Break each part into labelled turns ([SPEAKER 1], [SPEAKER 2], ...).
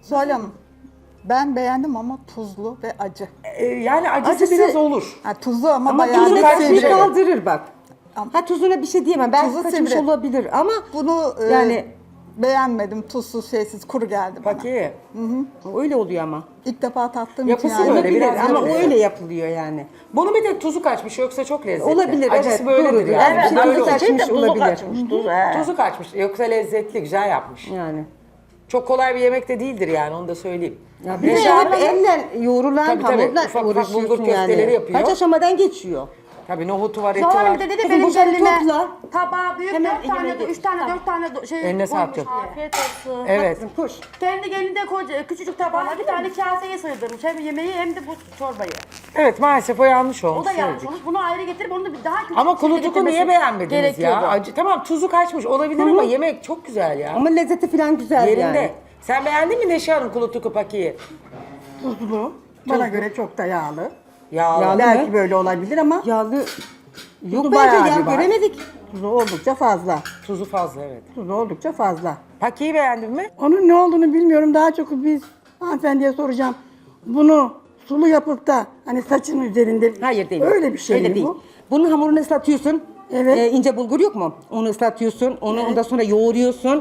[SPEAKER 1] Zuhal Hanım, ben beğendim ama tuzlu ve acı.
[SPEAKER 2] Yani acısı
[SPEAKER 3] Acısı-
[SPEAKER 2] biraz olur.
[SPEAKER 1] Ha, tuzlu ama,
[SPEAKER 2] Ama
[SPEAKER 1] bayağı
[SPEAKER 2] tuzu
[SPEAKER 1] da
[SPEAKER 2] kaçmış
[SPEAKER 3] Kaçmış
[SPEAKER 1] sivri.
[SPEAKER 3] kaldırır bak.
[SPEAKER 1] Ama-
[SPEAKER 3] Ha tuzuna bir şey diyemem. Belki
[SPEAKER 1] Tuzu
[SPEAKER 3] kaçmış
[SPEAKER 1] sivri.
[SPEAKER 3] olabilir ama
[SPEAKER 1] Bunu
[SPEAKER 3] yani
[SPEAKER 1] beğenmedim. Tuzsuz, şeysiz, kuru geldi bana.
[SPEAKER 2] Paki.
[SPEAKER 3] öyle oluyor ama.
[SPEAKER 1] İlk defa tattığım
[SPEAKER 2] Yapısı
[SPEAKER 1] için yani.
[SPEAKER 2] böyle,
[SPEAKER 3] Olabilir
[SPEAKER 2] biraz
[SPEAKER 3] ama
[SPEAKER 2] öyle.
[SPEAKER 3] öyle yapılıyor yani.
[SPEAKER 2] Bunun bir tek tuzu kaçmış yoksa çok lezzetli.
[SPEAKER 3] Olabilir,
[SPEAKER 2] Acısı
[SPEAKER 3] evet,
[SPEAKER 2] böyledir
[SPEAKER 3] doğrudur.
[SPEAKER 2] yani.
[SPEAKER 3] Evet,
[SPEAKER 2] Bu böyle
[SPEAKER 3] tuzu
[SPEAKER 2] olur.
[SPEAKER 3] kaçmış
[SPEAKER 4] tuzu
[SPEAKER 3] olabilir.
[SPEAKER 4] kaçmış, tuzu, he.
[SPEAKER 2] Tuzu kaçmış yoksa lezzetli güzel yapmış.
[SPEAKER 3] Yani.
[SPEAKER 2] Çok kolay bir yemek de değildir yani onu da söyleyeyim.
[SPEAKER 3] Ya bir de
[SPEAKER 2] Neşe
[SPEAKER 3] hep
[SPEAKER 2] Hanım-
[SPEAKER 3] elle yoğrulan
[SPEAKER 2] Tabii, tabii.
[SPEAKER 3] hamurla
[SPEAKER 2] Ufak ufak
[SPEAKER 3] uğraşıyorsun
[SPEAKER 2] bulgur köfteleri
[SPEAKER 3] yani.
[SPEAKER 2] yapıyor.
[SPEAKER 3] Kaç aşamadan geçiyor.
[SPEAKER 2] Tabii nohutu var, eti
[SPEAKER 5] Zuhal
[SPEAKER 2] var.
[SPEAKER 5] Hanım da dedi
[SPEAKER 3] Kızım
[SPEAKER 5] benim
[SPEAKER 3] bunları
[SPEAKER 5] geline
[SPEAKER 3] topla.
[SPEAKER 5] tabağı büyük
[SPEAKER 3] Hemen
[SPEAKER 5] 4 tane,
[SPEAKER 3] elime
[SPEAKER 5] 3 tane, 4 tane şey
[SPEAKER 2] Eline sağlık
[SPEAKER 5] koymuş
[SPEAKER 2] canım.
[SPEAKER 5] diye.
[SPEAKER 6] Afiyet olsun.
[SPEAKER 2] Evet.
[SPEAKER 3] Kızım koş.
[SPEAKER 5] Kendi gelinde küçücük tabağına bir tane kaseye sığdırmış. Hem yemeği hem de bu çorbayı.
[SPEAKER 2] Evet maalesef o yanlış olmuş.
[SPEAKER 5] O da yanlış
[SPEAKER 2] söyledik.
[SPEAKER 5] olmuş. Bunu ayrı getirip onu bir daha küçük
[SPEAKER 2] Ama
[SPEAKER 5] şekilde
[SPEAKER 2] kulutuku
[SPEAKER 5] getirmesi
[SPEAKER 2] niye beğenmediniz
[SPEAKER 5] gerekiyordu.
[SPEAKER 2] ya? Acı, tamam tuzu kaçmış olabilir ama yemek çok güzel ya.
[SPEAKER 3] Ama lezzeti falan güzel
[SPEAKER 2] Yerinde.
[SPEAKER 3] yani.
[SPEAKER 2] Sen beğendin mi Neşe Hanım kulutuku pakiyi?
[SPEAKER 7] Tuzlu. Bana göre çok da yağlı.
[SPEAKER 2] Yağlı.
[SPEAKER 3] Yağlı.
[SPEAKER 7] Belki
[SPEAKER 3] mı?
[SPEAKER 7] böyle olabilir ama
[SPEAKER 3] Yağlı yok
[SPEAKER 7] tuzu
[SPEAKER 3] bence
[SPEAKER 7] bayağı
[SPEAKER 3] ya
[SPEAKER 7] bir var.
[SPEAKER 3] göremedik.
[SPEAKER 7] Tuzu oldukça fazla.
[SPEAKER 2] Tuzu fazla evet.
[SPEAKER 7] Tuzu oldukça fazla.
[SPEAKER 2] Pakiyi beğendin mi?
[SPEAKER 7] Onun ne olduğunu bilmiyorum. Daha çok biz hanımefendiye soracağım. Bunu sulu yapıp da hani saçın üzerinde
[SPEAKER 3] Hayır değil.
[SPEAKER 7] öyle bir şey
[SPEAKER 3] Öyle
[SPEAKER 7] mi
[SPEAKER 3] değil.
[SPEAKER 7] bu?
[SPEAKER 3] Bunun hamurunu ıslatıyorsun.
[SPEAKER 7] Evet.
[SPEAKER 3] İnce bulgur yok mu? Onu ıslatıyorsun. Onu ondan sonra yoğuruyorsun.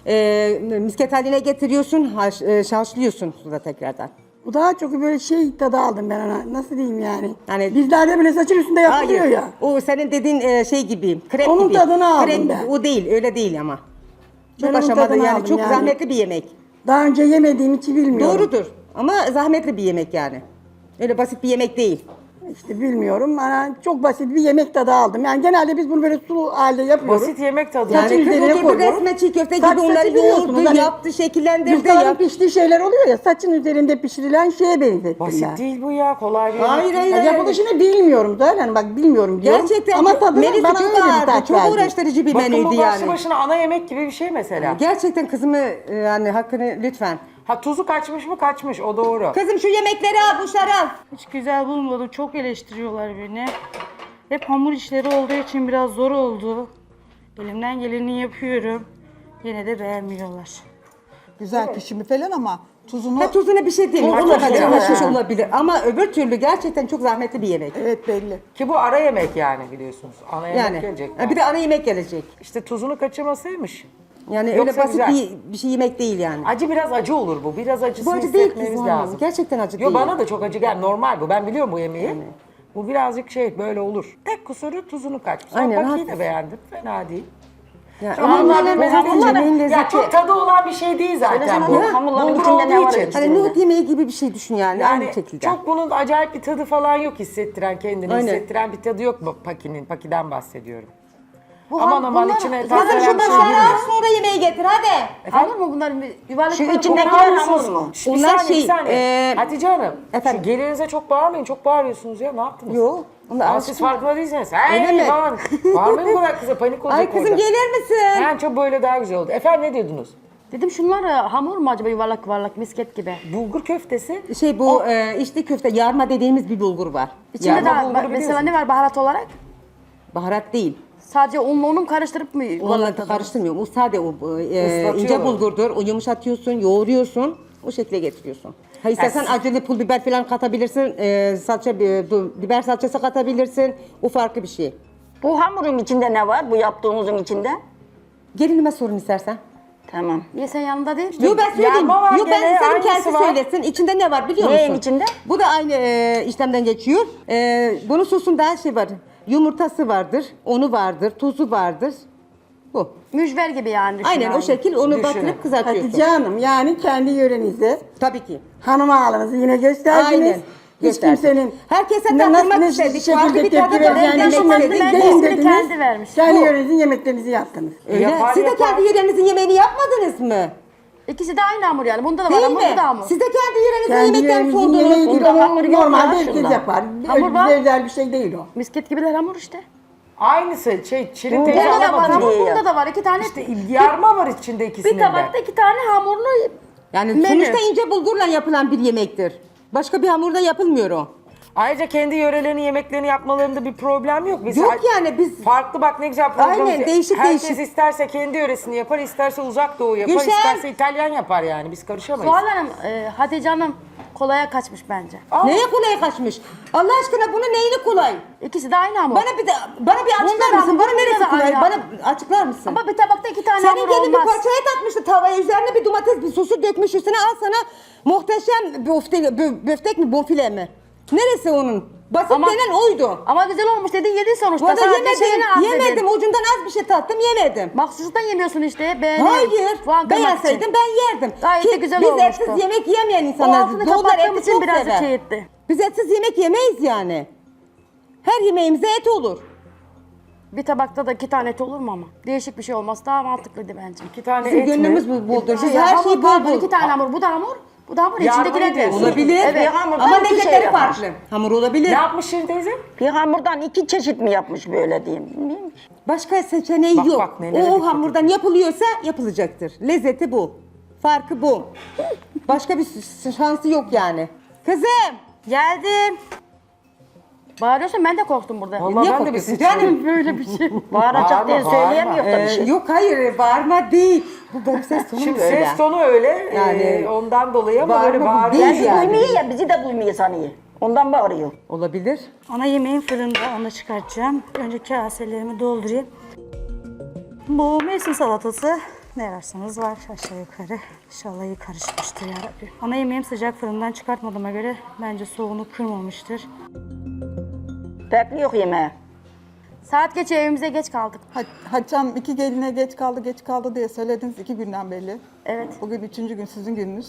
[SPEAKER 3] Misket haline getiriyorsun. Haşlıyorsun suda tekrardan.
[SPEAKER 7] Bu daha çok böyle şey tadı aldım ben ona. Nasıl diyeyim yani?
[SPEAKER 3] Yani-
[SPEAKER 7] Bizlerde böyle saçın üstünde yapılıyor
[SPEAKER 3] Hayır.
[SPEAKER 7] ya.
[SPEAKER 3] O senin dediğin şey gibi. Krep
[SPEAKER 7] Onun
[SPEAKER 3] gibi.
[SPEAKER 7] tadını aldım
[SPEAKER 3] Krep
[SPEAKER 7] ben.
[SPEAKER 3] O değil. Öyle değil ama.
[SPEAKER 7] Ben
[SPEAKER 3] Çok
[SPEAKER 7] onun
[SPEAKER 3] aşamalı
[SPEAKER 7] tadını
[SPEAKER 3] yani.
[SPEAKER 7] aldım
[SPEAKER 3] Çok
[SPEAKER 7] yani.
[SPEAKER 3] zahmetli bir yemek.
[SPEAKER 7] Daha önce yemediğim için bilmiyorum.
[SPEAKER 3] Doğrudur. Ama zahmetli bir yemek yani. Öyle basit bir yemek değil.
[SPEAKER 7] İşte bilmiyorum. Yani çok basit bir yemek tadı aldım. Yani genelde biz bunu böyle sulu halde yapıyoruz.
[SPEAKER 2] Basit yemek tadı.
[SPEAKER 7] Yani
[SPEAKER 3] Yani kız
[SPEAKER 7] üzerine
[SPEAKER 3] oturdu
[SPEAKER 7] koyuyorum.
[SPEAKER 3] resme çiğ köfte
[SPEAKER 7] Saç
[SPEAKER 3] gibi onları
[SPEAKER 7] saçı biliyorsunuz
[SPEAKER 3] yoğurdu,
[SPEAKER 7] hani
[SPEAKER 3] yaptı, şekillendirdi.
[SPEAKER 7] Yufkaların piştiği şeyler oluyor ya, saçın üzerinde pişirilen şeye benzettim
[SPEAKER 2] Basit
[SPEAKER 7] ben.
[SPEAKER 2] değil bu ya kolay bir yemek
[SPEAKER 3] Hayır
[SPEAKER 2] değil.
[SPEAKER 3] hayır.
[SPEAKER 7] Ya
[SPEAKER 3] hayır.
[SPEAKER 7] yapılışını bilmiyorum zaten, bak bilmiyorum diyorum.
[SPEAKER 3] Gerçekten
[SPEAKER 7] ama tadını
[SPEAKER 3] menüsü
[SPEAKER 7] bana
[SPEAKER 3] çok
[SPEAKER 7] öyle bir
[SPEAKER 3] ağırdı,
[SPEAKER 7] tat
[SPEAKER 3] çok
[SPEAKER 7] verdi.
[SPEAKER 3] uğraştırıcı bir
[SPEAKER 2] Bakın bu
[SPEAKER 3] menüydü
[SPEAKER 2] başlı
[SPEAKER 3] yani.
[SPEAKER 2] başına ana yemek gibi bir şey mesela.
[SPEAKER 3] Gerçekten kızımı yani hakkını lütfen.
[SPEAKER 2] Ha tuzu kaçmış mı kaçmış o doğru.
[SPEAKER 3] Kızım şu yemekleri al, buşları al.
[SPEAKER 6] Hiç güzel bulmadım. Çok eleştiriyorlar beni. Hep hamur işleri olduğu için biraz zor oldu. Elimden geleni yapıyorum. Yine de beğenmiyorlar.
[SPEAKER 1] Güzel pişimi falan ama tuzunu...
[SPEAKER 3] Ha tuzuna bir şey değil.
[SPEAKER 2] Çok
[SPEAKER 3] Olabilir,
[SPEAKER 2] güzel.
[SPEAKER 3] haşhaş olabilir. Ama öbür türlü gerçekten çok zahmetli bir yemek.
[SPEAKER 1] Evet belli.
[SPEAKER 2] Ki bu ara yemek yani biliyorsunuz. Ana yemek
[SPEAKER 3] Yani.
[SPEAKER 2] gelecek.
[SPEAKER 3] Bir de ana yemek gelecek.
[SPEAKER 2] İşte tuzunu kaçırmasaymış.
[SPEAKER 3] Yani
[SPEAKER 2] Yoksa
[SPEAKER 3] öyle basit
[SPEAKER 2] güzel.
[SPEAKER 3] bir şey yemek değil yani.
[SPEAKER 2] Acı biraz acı olur bu. Biraz acısını
[SPEAKER 3] Bu acı değil
[SPEAKER 2] hissetmemiz
[SPEAKER 3] kızım.
[SPEAKER 2] lazım.
[SPEAKER 3] Gerçekten acı
[SPEAKER 2] Yo,
[SPEAKER 3] değil.
[SPEAKER 2] bana da çok acı gel. Normal bu. Ben biliyorum bu yemeği. Bu birazcık şey böyle olur. Tek kusuru tuzunu kaçmış. Ama
[SPEAKER 3] Aynen,
[SPEAKER 2] pakiyi de
[SPEAKER 3] haklısın.
[SPEAKER 2] beğendim. Fena değil.
[SPEAKER 3] Yani
[SPEAKER 2] Ama bunlar
[SPEAKER 3] bunların
[SPEAKER 2] bir
[SPEAKER 3] zaten yemeğin
[SPEAKER 2] ya
[SPEAKER 3] lezzeti.
[SPEAKER 2] çok tadı olan bir şey değil zaten
[SPEAKER 4] Söylesene
[SPEAKER 2] bu.
[SPEAKER 4] bu hamurların
[SPEAKER 2] Bulgur
[SPEAKER 4] içinde ne
[SPEAKER 2] olduğu
[SPEAKER 4] var
[SPEAKER 2] için.
[SPEAKER 4] içinde?
[SPEAKER 3] Hani nohut yemeği gibi bir şey düşün yani,
[SPEAKER 2] Yani
[SPEAKER 3] aynı şekilde.
[SPEAKER 2] çok bunun acayip bir tadı falan yok hissettiren kendini
[SPEAKER 3] Aynen.
[SPEAKER 2] hissettiren bir tadı yok mu pakiden bahsediyorum.
[SPEAKER 5] Bu
[SPEAKER 2] Aman aman
[SPEAKER 5] bunlar-
[SPEAKER 2] içine
[SPEAKER 5] Kızım
[SPEAKER 2] tat veren
[SPEAKER 3] Kızım
[SPEAKER 2] bir
[SPEAKER 3] şu
[SPEAKER 2] şey
[SPEAKER 3] başları al
[SPEAKER 2] değil.
[SPEAKER 3] sonra yemeği getir hadi.
[SPEAKER 5] Hamur mu bunların yuvarlak
[SPEAKER 4] Şu
[SPEAKER 5] yuvarlak-
[SPEAKER 4] içindekiler
[SPEAKER 5] Hamur
[SPEAKER 4] hamur
[SPEAKER 5] mu?
[SPEAKER 4] mu?
[SPEAKER 2] Bir
[SPEAKER 3] Onlar
[SPEAKER 2] saniye,
[SPEAKER 3] şey,
[SPEAKER 2] bir saniye. Hatice Hanım,
[SPEAKER 3] efendim?
[SPEAKER 2] şu gelinize çok bağırmayın, çok bağırıyorsunuz ya, ne yaptınız?
[SPEAKER 3] Yok. Onlar
[SPEAKER 2] Aa, siz
[SPEAKER 3] alışkın.
[SPEAKER 2] farkında değilsiniz.
[SPEAKER 3] Öyle
[SPEAKER 2] Hey
[SPEAKER 3] mi?
[SPEAKER 2] falan. Bağırmayın bu kadar kıza, panik olacak
[SPEAKER 3] Ay kızım
[SPEAKER 2] orada.
[SPEAKER 3] gelir misin?
[SPEAKER 2] Yani çok böyle daha güzel oldu. Efendim ne diyordunuz?
[SPEAKER 5] Dedim şunlar hamur mu acaba yuvarlak yuvarlak misket gibi?
[SPEAKER 2] Bulgur köftesi.
[SPEAKER 3] Şey bu içli köfte yarma dediğimiz bir bulgur var.
[SPEAKER 5] İçinde
[SPEAKER 2] Yarma
[SPEAKER 5] de
[SPEAKER 2] bulguru
[SPEAKER 5] mesela
[SPEAKER 2] biliyorsun.
[SPEAKER 5] ne var baharat olarak?
[SPEAKER 3] Baharat değil.
[SPEAKER 5] Sadece unla onu mu karıştırıp mı
[SPEAKER 3] Onunla
[SPEAKER 5] yuvarlak
[SPEAKER 3] da karıştırmıyorum. O sade o
[SPEAKER 2] Islatıyorlar.
[SPEAKER 3] ince bulgurdur. O yumuşatıyorsun, yoğuruyorsun. O şekilde getiriyorsun. Ha istersen acılı pul biber falan katabilirsin. Biber salçası katabilirsin. O farklı bir şey.
[SPEAKER 4] Bu hamurun içinde ne var? Bu yaptığımızın içinde?
[SPEAKER 3] Gelinime sorun istersen.
[SPEAKER 4] Tamam.
[SPEAKER 5] Niye sen yanında değil?
[SPEAKER 3] Yok ben söyleyeyim.
[SPEAKER 2] Yarma var
[SPEAKER 3] Yok ben
[SPEAKER 2] gene,
[SPEAKER 3] isterim
[SPEAKER 2] aynısı
[SPEAKER 3] kendisi
[SPEAKER 2] var.
[SPEAKER 3] söylesin. İçinde ne var biliyor musun?
[SPEAKER 4] Neyin içinde?
[SPEAKER 3] Bu da aynı işlemden geçiyor. Bunun sosunda her şey var. Yumurtası vardır, unu vardır, tuzu vardır. Bu.
[SPEAKER 5] Mücver gibi yani düşün
[SPEAKER 3] Aynen
[SPEAKER 5] abi.
[SPEAKER 3] o şekil onu
[SPEAKER 2] Düşünün.
[SPEAKER 3] batırıp kızartıyorsun.
[SPEAKER 7] Hatice Hanım, yani kendi yörenize
[SPEAKER 3] Tabii ki.
[SPEAKER 7] hanım ağalınızı yine gösterdiniz.
[SPEAKER 3] Aynen.
[SPEAKER 7] Hiç
[SPEAKER 3] Gösterdim.
[SPEAKER 7] kimsenin
[SPEAKER 3] Herkese
[SPEAKER 7] ne-
[SPEAKER 3] tattırmak
[SPEAKER 7] ne
[SPEAKER 3] istedik.
[SPEAKER 7] şekilde
[SPEAKER 3] Farklı bir
[SPEAKER 7] tepki
[SPEAKER 3] tadı
[SPEAKER 7] vereceğini
[SPEAKER 3] var.
[SPEAKER 7] düşünmediniz.
[SPEAKER 5] Ben
[SPEAKER 7] Deyin
[SPEAKER 5] ismini
[SPEAKER 7] dediniz.
[SPEAKER 5] kendi vermiş.
[SPEAKER 7] Kendi
[SPEAKER 3] Bu.
[SPEAKER 7] yörenizin yemeklerinizi yaptınız.
[SPEAKER 3] Öyle.
[SPEAKER 2] Yapar,
[SPEAKER 3] Siz de
[SPEAKER 2] yapar.
[SPEAKER 3] kendi yörenizin yemeğini yapmadınız mı?
[SPEAKER 5] İkisi de aynı hamur yani. Bunda da var
[SPEAKER 3] Değil
[SPEAKER 5] hamur, bu da
[SPEAKER 3] mi?
[SPEAKER 5] hamur.
[SPEAKER 3] Siz de kendi yörenizin
[SPEAKER 7] Kendi
[SPEAKER 3] yemekten
[SPEAKER 7] yörenizin
[SPEAKER 3] soğudunuz.
[SPEAKER 7] yemeği değil,
[SPEAKER 4] Bunda hamur
[SPEAKER 7] o
[SPEAKER 4] yok
[SPEAKER 7] normalde
[SPEAKER 4] ya,
[SPEAKER 7] herkes
[SPEAKER 4] şunda.
[SPEAKER 7] yapar.
[SPEAKER 5] Hamur var.
[SPEAKER 7] Öyle özel bir şey değil o.
[SPEAKER 5] Misket gibiler hamur işte.
[SPEAKER 2] Aynısı Çilin
[SPEAKER 4] Bunda
[SPEAKER 2] teyze
[SPEAKER 5] Bunda da var
[SPEAKER 2] anlamadı.
[SPEAKER 5] hamur,
[SPEAKER 4] diye ya.
[SPEAKER 5] bunda da var. İki tane
[SPEAKER 2] Yarma var içinde ikisinin
[SPEAKER 5] bir
[SPEAKER 2] de.
[SPEAKER 5] tabakta iki tane hamurlu
[SPEAKER 3] Yani
[SPEAKER 5] menü.
[SPEAKER 3] sonuçta ince bulgurla yapılan bir yemektir. Başka bir hamurda yapılmıyor o.
[SPEAKER 2] Ayrıca kendi yörelerinin yemeklerini yapmalarında bir problem yok. Biz
[SPEAKER 3] Yok yani biz...
[SPEAKER 2] farklı bak ne güzel programımız.
[SPEAKER 3] Aynen, değişik
[SPEAKER 2] Herkes
[SPEAKER 3] değişik.
[SPEAKER 2] isterse kendi yöresini yapar, isterse uzak doğu yapar,
[SPEAKER 3] Güzel.
[SPEAKER 2] isterse İtalyan yapar yani. Biz karışamayız.
[SPEAKER 5] Zuhal Hanım, Hatice Hanım kolaya kaçmış bence.
[SPEAKER 3] Neye kolay kaçmış? Allah aşkına bunun neyini kolay?
[SPEAKER 5] İkisi de aynı hamur.
[SPEAKER 3] Bana bir açıklar
[SPEAKER 5] da
[SPEAKER 3] mısın?
[SPEAKER 5] hamur,
[SPEAKER 3] Bana
[SPEAKER 5] bunda
[SPEAKER 3] neresi
[SPEAKER 5] da
[SPEAKER 3] kolay?
[SPEAKER 5] aynı
[SPEAKER 3] Bana açıklar mısın?
[SPEAKER 5] Ama bir tabakta 2 tane
[SPEAKER 3] Senin
[SPEAKER 5] hamur
[SPEAKER 3] gelin bir
[SPEAKER 5] olmaz.
[SPEAKER 3] parça et atmıştı tavaya, üzerine bir domates, bir sosu dökmüş üstüne, al sana muhteşem böftek mi, bonfile mi? Neresi onun? Basit
[SPEAKER 5] Ama-
[SPEAKER 3] denen oydu.
[SPEAKER 5] Ama güzel olmuş dedin, yedin sonuçta.
[SPEAKER 3] Valla
[SPEAKER 5] Sadece şeyini az
[SPEAKER 3] yemedim.
[SPEAKER 5] dedin.
[SPEAKER 3] Ucundan az bir şey tattım, yemedim.
[SPEAKER 5] Maksustan yemiyorsun işte. Beğeneyim.
[SPEAKER 3] Hayır,
[SPEAKER 5] Puan kırmak
[SPEAKER 3] beğenseydim
[SPEAKER 5] için.
[SPEAKER 3] ben yerdim.
[SPEAKER 5] Gayet de güzel
[SPEAKER 3] biz
[SPEAKER 5] olmuştu.
[SPEAKER 3] etsiz yemek yemeyen
[SPEAKER 5] O
[SPEAKER 3] insanlarız.
[SPEAKER 5] altını
[SPEAKER 3] Doğular
[SPEAKER 5] kapattığım
[SPEAKER 3] eti
[SPEAKER 5] için
[SPEAKER 3] çok
[SPEAKER 5] birazcık
[SPEAKER 3] sever.
[SPEAKER 5] şey etti.
[SPEAKER 3] Biz etsiz yemek yemeyiz yani. Her yemeğimize et olur.
[SPEAKER 5] Bir tabakta da 2 tane et olur mu ama? Değişik bir şey olması daha mantıklıydı bence.
[SPEAKER 2] 2 tane
[SPEAKER 3] Bizim
[SPEAKER 2] et mi?
[SPEAKER 3] gönlümüz boldur. Siz
[SPEAKER 5] Ya
[SPEAKER 3] her
[SPEAKER 5] hamur
[SPEAKER 3] şeyi
[SPEAKER 5] pardon,
[SPEAKER 3] bol
[SPEAKER 5] 2 tane hamur. Bu da hamur. Bu da hamur.
[SPEAKER 2] Yardım
[SPEAKER 5] İçindekiler de.
[SPEAKER 2] ediyorsun.
[SPEAKER 3] olabilir.
[SPEAKER 5] Evet.
[SPEAKER 4] hamurdan
[SPEAKER 3] Ama
[SPEAKER 4] iki şey
[SPEAKER 3] lezzetleri
[SPEAKER 4] yapmış.
[SPEAKER 3] farklı. Hamur olabilir.
[SPEAKER 2] Ne yapmış Şirin teyze?
[SPEAKER 4] Bir hamurdan 2 çeşit mi yapmış böyle diyeyim. Bilmiyorum ki.
[SPEAKER 3] Başka seçeneği
[SPEAKER 2] Bak,
[SPEAKER 3] yok.
[SPEAKER 2] bak, nelere
[SPEAKER 3] o
[SPEAKER 2] dikkat
[SPEAKER 3] hamurdan yapılıyorsa yapılacaktır. Lezzeti bu. Farkı bu. Başka bir şansı yok yani. Kızım.
[SPEAKER 6] Geldim.
[SPEAKER 5] Bağırıyorsun, ben de korktum burada.
[SPEAKER 2] Vallahi
[SPEAKER 3] Niye
[SPEAKER 2] ben de bir
[SPEAKER 3] korkuyorsun
[SPEAKER 2] sıçrayım.
[SPEAKER 3] canım?
[SPEAKER 5] Böyle bir şey.
[SPEAKER 4] Bağıracak diye
[SPEAKER 2] Bağırma,
[SPEAKER 4] söyleyemiyor da bir şey.
[SPEAKER 3] Yok hayır, bağırma değil. Bu benim ses tonum
[SPEAKER 2] Şimdi
[SPEAKER 3] öyle.
[SPEAKER 2] ses tonu öyle
[SPEAKER 3] Yani
[SPEAKER 2] ondan dolayı ama
[SPEAKER 3] bağırma
[SPEAKER 2] böyle
[SPEAKER 3] bu
[SPEAKER 2] bağırıyor.
[SPEAKER 3] değil
[SPEAKER 4] Bizi
[SPEAKER 3] yani.
[SPEAKER 4] duymuyor ya, bizi de duymuyor sanıyor. Ondan bağırıyor.
[SPEAKER 3] Olabilir.
[SPEAKER 6] Ana yemeğim fırında, onu çıkartacağım. Önce kaselerimi doldurayım. Bu mevsim salatası ne ararsanız var aşağı yukarı. İnşallah iyi karışmıştır yarabbim. Ana yemeğim sıcak fırından çıkartmadığıma göre bence soğuğunu kırmamıştır.
[SPEAKER 4] Bekliyor yemeğe.
[SPEAKER 5] Saat geçiyor, evimize geç kaldık.
[SPEAKER 1] Hatice Hanım 2 geline geç kaldı diye söylediniz 2 günden belli.
[SPEAKER 5] Evet.
[SPEAKER 1] Bugün 3. gün sizin gününüz.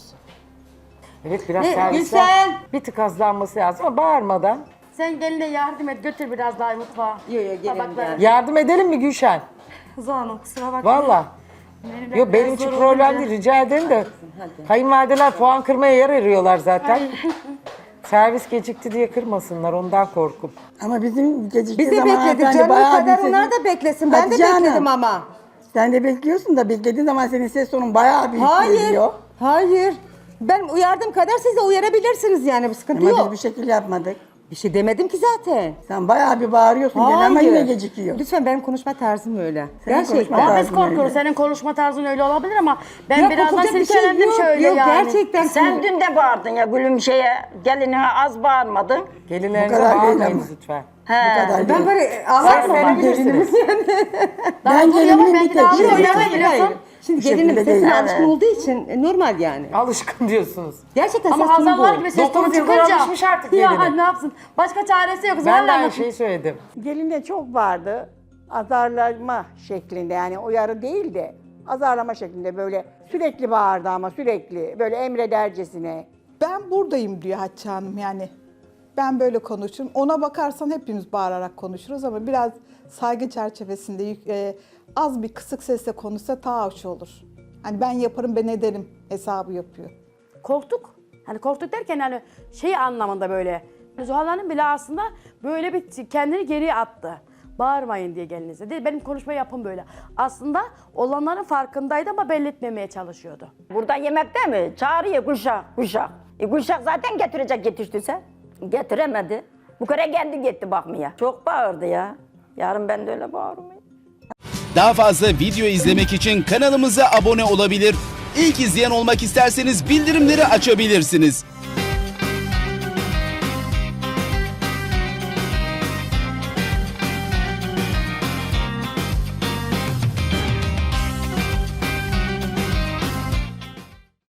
[SPEAKER 2] Evet biraz
[SPEAKER 3] Ne,
[SPEAKER 2] servisler
[SPEAKER 3] Gülsen?
[SPEAKER 2] bir tık azlanması lazım ama bağırmadan.
[SPEAKER 5] Sen geline yardım et, götür biraz daha mutfağa.
[SPEAKER 3] Yok yok gelin
[SPEAKER 5] Tabakları.
[SPEAKER 3] gel.
[SPEAKER 2] Yardım edelim mi Gülşen?
[SPEAKER 6] Zahanım kusura bakmayın.
[SPEAKER 2] Valla.
[SPEAKER 6] Benim
[SPEAKER 2] Yok benim
[SPEAKER 6] biraz
[SPEAKER 2] için
[SPEAKER 6] zor
[SPEAKER 2] problem
[SPEAKER 6] olunca-
[SPEAKER 2] değil rica ederim de. Kayınvalideler puan kırmaya yer arıyorlar zaten. Servis gecikti diye kırmasınlar ondan korkup.
[SPEAKER 7] Ama bizim geciktiği
[SPEAKER 3] Biz de
[SPEAKER 7] zaman
[SPEAKER 3] bekledik
[SPEAKER 7] hanımefendi
[SPEAKER 3] canım, o
[SPEAKER 7] bayağı
[SPEAKER 3] kadar
[SPEAKER 7] bir
[SPEAKER 3] onlar
[SPEAKER 7] sesin-
[SPEAKER 3] da beklesin. Ben de
[SPEAKER 7] Hatice Hanım,
[SPEAKER 3] bekledim ama.
[SPEAKER 7] Sen de bekliyorsun da beklediğin zaman senin ses tonun bayağı büyük
[SPEAKER 3] Hayır.
[SPEAKER 7] geliyor.
[SPEAKER 3] Hayır. Ben uyardığım kadar siz de uyarabilirsiniz yani, bir sıkıntı
[SPEAKER 7] Ama
[SPEAKER 3] yok.
[SPEAKER 7] biz bir şekil yapmadık.
[SPEAKER 3] Bir şey demedim ki zaten.
[SPEAKER 7] Sen bayağı bir bağırıyorsun gene ama yine gecikiyor.
[SPEAKER 3] Lütfen, benim konuşma tarzım öyle.
[SPEAKER 7] Senin
[SPEAKER 3] Gerçekten.
[SPEAKER 7] konuşma
[SPEAKER 5] Ama biz
[SPEAKER 7] tarzın
[SPEAKER 5] korkuyoruz.
[SPEAKER 7] öyle.
[SPEAKER 5] Senin konuşma tarzın öyle olabilir ama ben
[SPEAKER 3] Ya
[SPEAKER 5] birazdan
[SPEAKER 3] korkacak bir şey
[SPEAKER 5] silkelendim
[SPEAKER 3] yok,
[SPEAKER 5] şöyle
[SPEAKER 3] yok,
[SPEAKER 5] yani.
[SPEAKER 3] gerçekten.
[SPEAKER 4] Sen dün de bağırdın ya gülüm şeye, gelinine az bağırmadın.
[SPEAKER 2] Gelinlerinize
[SPEAKER 7] kadar değil
[SPEAKER 2] bağırmayınız
[SPEAKER 7] ama.
[SPEAKER 2] lütfen.
[SPEAKER 4] He.
[SPEAKER 7] Bu kadar
[SPEAKER 3] Ben
[SPEAKER 7] değil.
[SPEAKER 3] böyle ağlarım ama
[SPEAKER 2] Seslenebilirsiniz.
[SPEAKER 5] Daha
[SPEAKER 7] Ben
[SPEAKER 5] dur yavaş,
[SPEAKER 7] gelinimin
[SPEAKER 5] belki
[SPEAKER 7] bir
[SPEAKER 5] daha
[SPEAKER 7] tek
[SPEAKER 5] dur,
[SPEAKER 7] şeyi
[SPEAKER 5] yavaş
[SPEAKER 7] yok.
[SPEAKER 5] geliyorsun.
[SPEAKER 3] Şimdi
[SPEAKER 7] Bu şekilde
[SPEAKER 3] gelinim sesine
[SPEAKER 7] değil.
[SPEAKER 3] alışkın olduğu için normal yani.
[SPEAKER 2] Alışkın diyorsunuz.
[SPEAKER 3] Gerçekten
[SPEAKER 5] Ama
[SPEAKER 3] ses tonu
[SPEAKER 5] Hazal var
[SPEAKER 3] bu.
[SPEAKER 5] gibi ses tonu
[SPEAKER 2] 9 yıldır
[SPEAKER 5] çıkınca.
[SPEAKER 2] alışmış artık
[SPEAKER 5] Ya
[SPEAKER 2] geline.
[SPEAKER 5] ne yapsın? Başka çaresi yok.
[SPEAKER 2] Ben
[SPEAKER 5] Zuhal
[SPEAKER 2] de aynı
[SPEAKER 5] Hanım.
[SPEAKER 2] şeyi söyledim.
[SPEAKER 8] Gelinde çok vardı. Azarlama şeklinde, yani uyarı değil de azarlama şeklinde, böyle sürekli bağırdı ama sürekli böyle emredercesine.
[SPEAKER 1] Ben buradayım diyor Hatice Hanım yani. Ben böyle konuşurum. Ona bakarsan hepimiz bağırarak konuşuruz ama biraz saygı çerçevesinde az bir kısık sesle konuşsa daha hoş olur. Hani ben yaparım, ben ederim hesabı yapıyor.
[SPEAKER 5] Korktuk. Hani korktuk derken hani şey anlamında böyle. Zuhal Hanım bile aslında böyle bir kendini geriye attı. Bağırmayın diye gelinize. Değil, benim konuşma yapım böyle. Aslında olanların farkındaydı ama belli etmemeye çalışıyordu.
[SPEAKER 4] Burada yemekte mi? Çağırıyor Gülşah. Gülşah zaten getirecek yetiştiyse. Getiremedi. Bu kere kendi gitti bakmaya. Çok bağırdı ya. Yarın ben de öyle bağırmayayım.
[SPEAKER 9] Daha fazla video izlemek için kanalımıza abone olabilir. İlk izleyen olmak isterseniz bildirimleri açabilirsiniz.